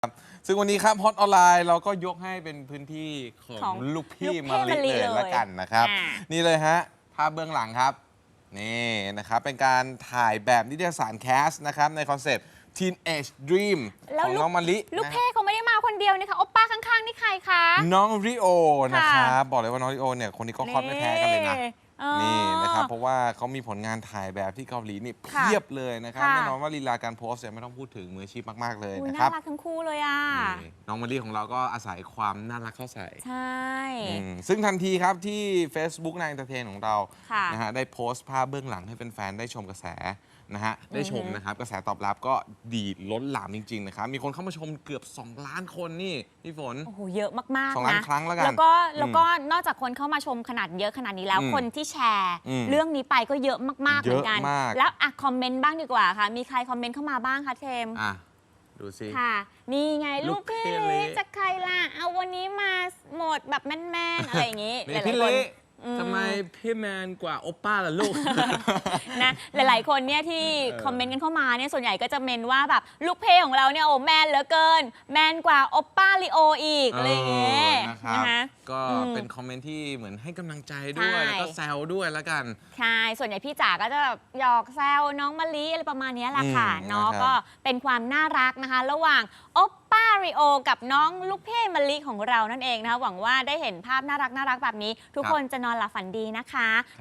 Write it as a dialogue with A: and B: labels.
A: ซึ่งวันนี้ครับฮอตออนไลน์เราก็ยกให้เป็นพื้นที่ของลูกพี่มะลิเลยละกันนะครับนี่เลยฮะภาพเบื้องหลังครับนี่นะครับเป็นการถ่ายแบบนิตยสารแคสนะครับในคอนเซปต์ Teenage Dream ของน้องมะลิ
B: ลูกเพ่เขาไม่ได้มาคนเดียวนะคะโอป้าข้างๆนี่ใครคะ
A: น้องริโอนะครับบอกเลยว่าน้องริโอเนี่ยคนนี้ก็ฮอตไม่แพ้กันเลยนะนี่นะครับเพราะว่าเขามีผลงานถ่ายแบบที่เกาหลีนี่เพียบเลยนะครับแน่นอนว่าลีลาการโพสเนี่ยไม่ต้องพูดถึงมืออาชีพมากๆเลยนะครับ
B: น่ารักทั้งคู่เลยอ่ะ
A: น้องมะลิของเราก็อาศัยความน่ารักเข้าใส่
B: ใช่
A: ซึ่งทันทีครับที่ Facebook นายเอนเตอร์เทนของเรานะฮะได้โพสต์ภาพเบื้องหลังให้แฟนๆได้ชมกระแสนะฮะได้ชมนะครับกระแสตอบรับก็ดีล้นหลามจริงๆนะครับมีคนเข้ามาชมเกือบ2 ล้านคนนี่พี่ฝน
B: โอ้โหเยอะมากๆนะ
A: 2 ล้านครั้งแล้วกัน
B: แล้วก็นอกจากคนเข้ามาชมขนาดเยอะขนาดนี้แล้วคนที่แชร์เรื่องนี้ไปก็เยอะมากๆเหมือนกันแล้วคอมเมนต์บ้างดีกว่าค่ะมีใครคอมเมนต์เข้ามาบ้างคะเทม
A: ดูสิ
B: ค่ะนี่ไงลูกพี่เล็กจากใครล่ะเอาวันนี้มาโหมดแบบแมนๆอะไรอย่างนี้
A: หลายๆคนทำไมพี่แมนกว่าโอป้าล่ะลูก
B: นะหลายๆคนเนี่ยที่คอมเมนต์กันเข้ามาเนี่ยส่วนใหญ่ก็จะเมนว่าแบบลูกเพของเราเนี่ยโอ้แมนเหลือเกินแมนกว่าโอป้าลิโออีกอะไรอย่างเงี้ย
A: นะคะก็เป็นคอมเมนต์ที่เหมือนให้กำลังใจด้วยแล้วก็แซวด้วยแล้วกัน
B: ใช่ส่วนใหญ่พี่จ๋าก็จะแบบหยอกแซวน้องมะลิอะไรประมาณนี้แหละค่ะเนาะก็เป็นความน่ารักนะคะระหว่างโอป้าริโอกับน้องลูกเพ่มะลิของเรานั่นเองนะคะหวังว่าได้เห็นภาพน่ารักแบบนี้ทุกคนจะนอนหลับฝันดีนะคะ